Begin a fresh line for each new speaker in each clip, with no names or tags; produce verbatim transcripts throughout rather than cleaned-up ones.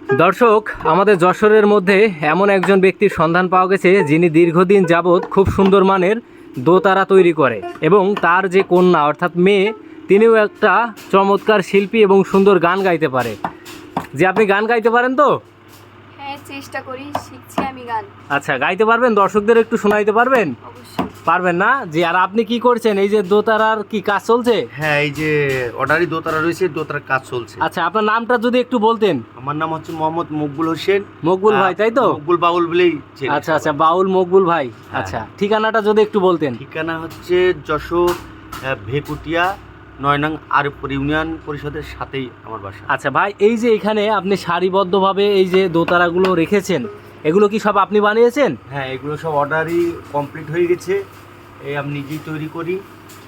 দর্শক, আমাদের যশোরের মধ্যে এমন একজন ব্যক্তির সন্ধান পাওয়া গেছে যিনি দীর্ঘদিন যাবৎ খুব সুন্দর মানের দোতারা তৈরি করে এবং তার যে কন্যা অর্থাৎ মেয়ে, তিনিও একটা চমৎকার শিল্পী এবং সুন্দর গান গাইতে পারে। যে আপনি গান গাইতে পারেন তো?
হ্যাঁ, চেষ্টা করি, শিখছি আমি গান।
আচ্ছা, গাইতে পারবেন? দর্শকদের একটু শোনাইতে পারবেন?
অবশ্যই।
পারবেন না? জি। আর আপনি কি করছেন? এই যে দোতারার কি কাজ চলছে?
হ্যাঁ, এই যে অর্ডারি দোতারা রয়েছে, দোতারার কাজ চলছে।
আচ্ছা, আপনার নামটা যদি একটু বলতেন।
আমার নাম হচ্ছে মোহাম্মদ মকবুল হোসেন।
মকবুল ভাই, তাই তো?
মকবুল বাউল বলেই চেনে
আচ্ছা
সবাই।
আচ্ছা, বাউল মকবুল ভাই।
হ্যাঁ।
আচ্ছা, ঠিকানাটা যদি একটু বলতেন।
ঠিকানা হচ্ছে যশোর আহ, ভেকুটিয়া নয় নং আরবপুর ইউনিয়ন পরিষদের সাথেই আমার বাসা।
আচ্ছা ভাই, এই যে এখানে আপনি সারিবদ্ধভাবে এই যে দোতারাগুলো রেখেছেন, এগুলো কি সব আপনি বানিয়েছেন?
হ্যাঁ, এগুলো সব অর্ডারই কমপ্লিট হয়ে গেছে, এই আমি নিজেই তৈরি করি।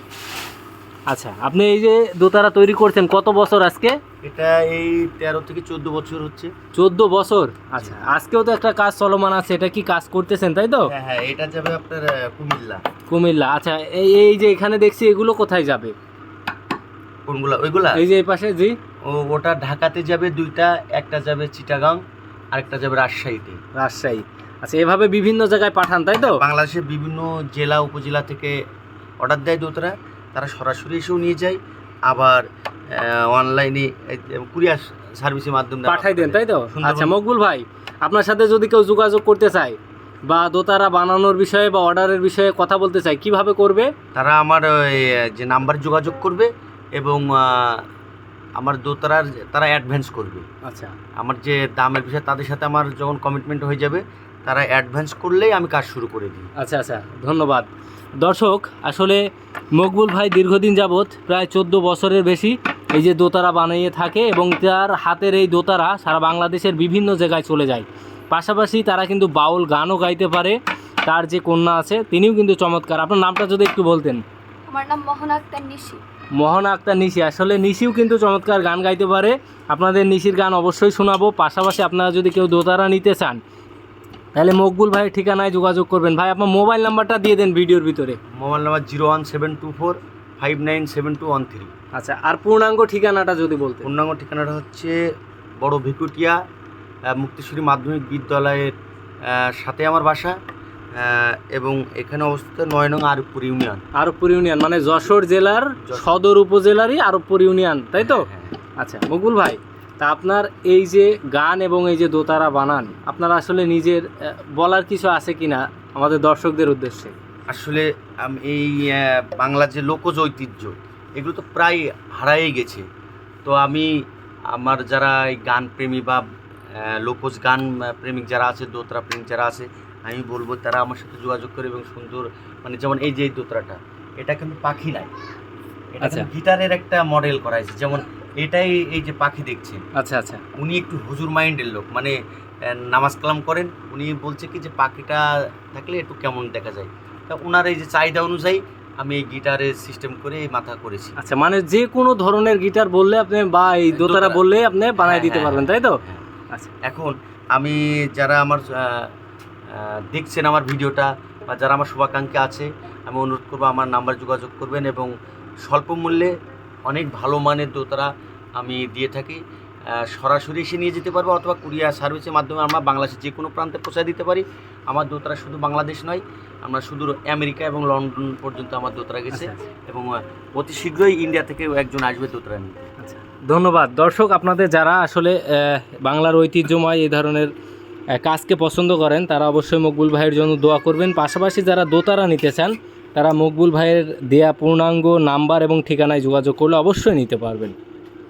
আচ্ছা, আপনি এই যে দোতারা তৈরি করছেন কত বছর আজকে?
এটা এই তেরো থেকে চোদ্দ বছর হচ্ছে।
চোদ্দ বছর। আচ্ছা, আজকেও তো একটা কাজ চলমান আছে, এটা কি কাজ করতেছেন তাই তো?
হ্যাঁ হ্যাঁ, এটা যাবে আপনার আহ, কুমিল্লা।
কুমিল্লা। আচ্ছা, এই এই যে এখানে দেখছি এগুলো কোথায় যাবে?
কোনগুলা? ওইগুলা
এই যে এই পাশে। জি।
ও ওটা ঢাকাতে যাবে দুইটা, একটা যাবে চিটাগাং আর একটা যাবে রাজশাহীতে।
রাজশাহী। আচ্ছা, এভাবে বিভিন্ন জায়গায় পাঠান তাই তো?
বাংলাদেশের বিভিন্ন জেলা উপজেলা থেকে অর্ডার দেয় দোতারা, তারা সরাসরি এসেও নিয়ে যায়, আবার অনলাইনে কুরিয়ার সার্ভিসের মাধ্যমে
পাঠাই দেন তাই তো?
সুন্দরবন-
আচ্ছা মকবুল ভাই, আপনার সাথে যদি কেউ যোগাযোগ করতে চায় বা দোতারা বানানোর বিষয়ে বা অর্ডারের বিষয়ে কথা বলতে চায়, কিভাবে করবে?
তারা আমার ওই, যে নাম্বার যোগাযোগ করবে এবং আহ, আমার দোতারার তারা অ্যাডভান্স করবে।
আচ্ছা
আমার যে দামের বিষয়ে তাদের সাথে আমার যখন কমিটমেন্ট হয়ে যাবে, তারা অ্যাডভান্স করলেই আমি কাজ শুরু করে দিই।
আচ্ছা আচ্ছা, ধন্যবাদ। দর্শক, আসলে মকবুল ভাই দীর্ঘদিন যাবৎ প্রায় চোদ্দ বছরের বেশি এই যে দোতারা বানিয়ে থাকে এবং তার হাতের এই দোতারা সারা বাংলাদেশের বিভিন্ন জায়গায় চলে যায়। পাশাপাশি তারা কিন্তু বাউল গানও গাইতে পারে। তার যে কন্যা আছে তিনিও কিন্তু চমৎকার। আপনার নামটা যদি একটু বলতেন।
আমার নাম মোহনা আক্তার নিশি।
মোহনা আক্তার নিশি। আসলে নিশিও কিন্তু চমৎকার গান গাইতে পারে। আপনাদের নিশির গান অবশ্যই শোনাবো। পাশাপাশি আপনারা যদি কেউ দোতারা নিতে চান তাহলে মকবুল ভাইয়ের ঠিকানায় যোগাযোগ করবেন। ভাই, আপনার মোবাইল নাম্বারটা দিয়ে দেন ভিডিওর ভিতরে।
Mobile number zero one seven two four five nine seven two one three.
আচ্ছা, আর পূর্ণাঙ্গ ঠিকানাটা যদি বলতেন।
পূর্ণাঙ্গ ঠিকানাটা হচ্ছে বড় ভেকুটিয়া আহ, মুক্তিশ্বরী মাধ্যমিক বিদ্যালয়ের আহ, সাথে আমার বাসা, আহ, এবং এখানে অবস্থিত নয় নং আরবপুর ইউনিয়ন।
আরবপুর ইউনিয়ন মানে যশোর জেলার
যশোর।
সদর উপজেলারই আরবপুর ইউনিয়ন, তাই তো?
হ্যাঁ,
আচ্ছা মকবুল ভাই, তা আপনার এই যে গান এবং এই যে দোতারা বানান, আপনার আসলে নিজের আহ, বলার কিছু আছে কিনা আমাদের দর্শকদের উদ্দেশ্যে?
আসলে আম- এই আহ, বাংলার যে লোকজ ঐতিহ্য, এগুলো তো প্রায় হারাই গেছে। তো আমি আমার যারা এই গান প্রেমী বা আহ, লোকজ গান আহ, প্রেমিক যারা আছে, দোতরা প্রেমিক যারা আছে, আমি বলবো তারা আমার সাথে যোগাযোগ করে এবং সুন্দর, মানে যেমন এই যে এই দোতরাটা, এটা কিন্তু পাখি নাই, এটা
আচ্ছা।
কিন্তু গিটারের একটা মডেল করা হয়েছে। যেমন এটাই, এই যে পাখি দেখছেন,
আচ্ছা আচ্ছা।
উনি একটু হুজুর মাইন্ডের লোক, মানে আহ, নামাজ কালাম করেন। উনি বলছে কি যে পাখিটা থাকলে একটু কেমন দেখা যায়, তা ওনার এই যে চাহিদা অনুযায়ী আমি এই গিটারের সিস্টেম করে এই মাথা করেছি।
আচ্ছা, মানে যে কোনো ধরনের গিটার বললে আপনি বা এই দোতারা
দোতারা
বললে আপনি বানাই
হ্যাঁ,
দিতে
হ্যাঁ,
পারবেন, তাই তো?
হ্যাঁ।
আচ্ছা
এখন আমি যারা আমার আহ, আহ, দেখছেন আমার ভিডিওটা, বা যারা আমার শুভাকাঙ্ক্ষী আছে, আমি অনুরোধ করবো আমার নাম্বার যোগাযোগ করবেন এবং স্বল্প মূল্যে অনেক ভালো মানের দোতারা আমি দিয়ে থাকি। আহ, সরাসরি এসে নিয়ে যেতে পারবো অথবা কুরিয়ার সার্ভিসের মাধ্যমে আমরা বাংলাদেশের যে কোনো প্রান্তে পৌঁছায় দিতে পারি। আমার দোতারা শুধু বাংলাদেশ নয়, আমরা শুধু আমেরিকা এবং লন্ডন পর্যন্ত আমার দোতারা গেছে,
আচ্ছা, আচ্ছা।
এবং আহ, অতি শীঘ্রই ইন্ডিয়া থেকে একজন আসবে দোতারা নিতে।
আচ্ছা, ধন্যবাদ। দর্শক, আপনাদের যারা আসলে আহ, বাংলার ঐতিহ্যময় এই ধরনের আহ, কাজকে পছন্দ করেন তারা অবশ্যই মকবুল ভাইয়ের জন্য দোয়া করবেন। পাশাপাশি যারা দোতারা নিতে চান তারা মকবুল ভাইয়ের দেয়া পূর্ণাঙ্গ নাম্বার এবং ঠিকানায় যোগাযোগ করলে অবশ্যই নিতে পারবেন।